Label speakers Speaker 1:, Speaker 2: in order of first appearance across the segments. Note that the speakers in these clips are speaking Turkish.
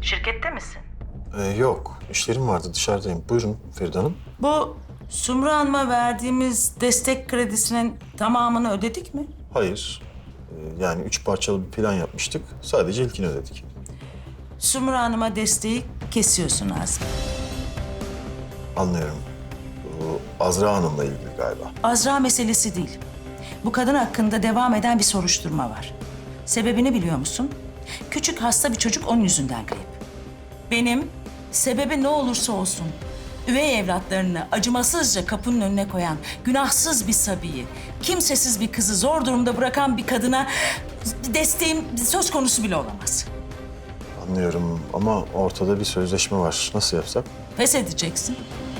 Speaker 1: Şirkette misin?
Speaker 2: Yok, işlerim vardı, dışarıdayım. Buyurun Feride Hanım.
Speaker 1: Bu Sumru Hanım'a verdiğimiz destek kredisinin tamamını ödedik mi?
Speaker 2: Hayır, yani 3 parçalı bir plan yapmıştık. Sadece ilkini ödedik.
Speaker 1: Sumru Hanım'a desteği kesiyorsun Azmi.
Speaker 2: Anlıyorum. Bu Azra Hanım'la ilgili galiba.
Speaker 1: Azra meselesi değil. Bu kadın hakkında devam eden bir soruşturma var. Sebebini biliyor musun? Küçük hasta bir çocuk onun yüzünden kayıp. Benim sebebi ne olursa olsun üvey evlatlarını acımasızca kapının önüne koyan günahsız bir sabiyi, kimsesiz bir kızı zor durumda bırakan bir kadına desteğim söz konusu bile olamaz.
Speaker 2: Anlıyorum ama ortada bir sözleşme var. Nasıl yapsak?
Speaker 1: Pes edeceksin.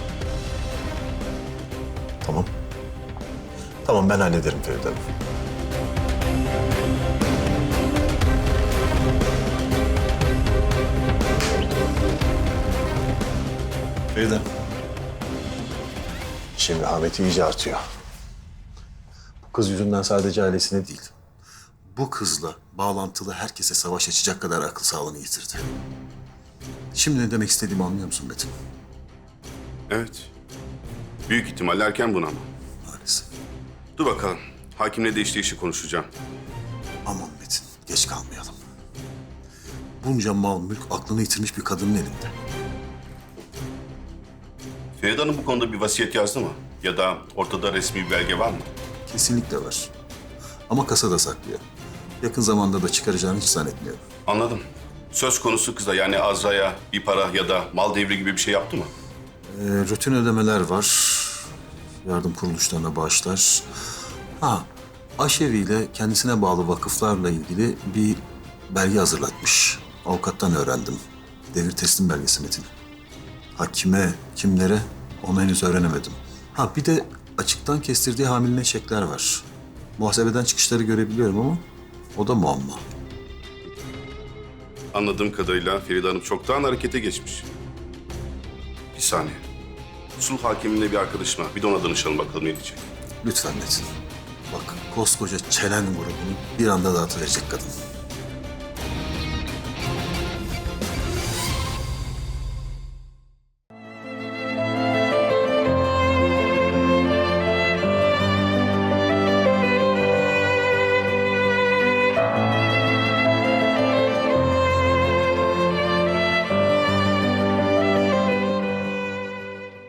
Speaker 2: Tamam. Tamam, ben hallederim Feride Hanım. Feride. Şimdi rehaveti iyice artıyor. Bu kız yüzünden sadece ailesine değil, bu kızla bağlantılı herkese savaş açacak kadar akıl sağlığını yitirdi. Şimdi ne demek istediğimi anlıyor musun Metin?
Speaker 3: Evet. Büyük ihtimalle erken buna ama.
Speaker 2: Maalesef.
Speaker 3: Dur bakalım. Hakimle de işi konuşacağım.
Speaker 2: Aman Metin, geç kalmayalım. Bunca mal mülk aklını yitirmiş bir kadının elinde.
Speaker 3: Feride Hanım bu konuda bir vasiyet yazdı mı? Ya da ortada resmi bir belge var mı?
Speaker 2: Kesinlikle var. Ama kasada saklıyor. Yakın zamanda da çıkaracağını hiç zannetmiyorum.
Speaker 3: Anladım. Söz konusu kıza yani Azra'ya bir para ya da mal devri gibi bir şey yaptı mı?
Speaker 2: Rutin ödemeler var. Yardım kuruluşlarına bağışlar. Aşevi ile kendisine bağlı vakıflarla ilgili bir belge hazırlatmış. Avukattan öğrendim. Devir teslim belgesi Metin. Kime, kimlere onu henüz öğrenemedim. Bir de açıktan kestirdiği hamiline çekler var. Muhasebeden çıkışları görebiliyorum ama o da muamma.
Speaker 3: Anladığım kadarıyla Feride Hanım çoktan harekete geçmiş. Bir saniye. Sulh hakiminde bir arkadaşıma bir de ona danışalım bakalım ne diyecek.
Speaker 2: Lütfen Metin. Bak, koskoca çelen grubunu bir anda dağıtıverecek kadın.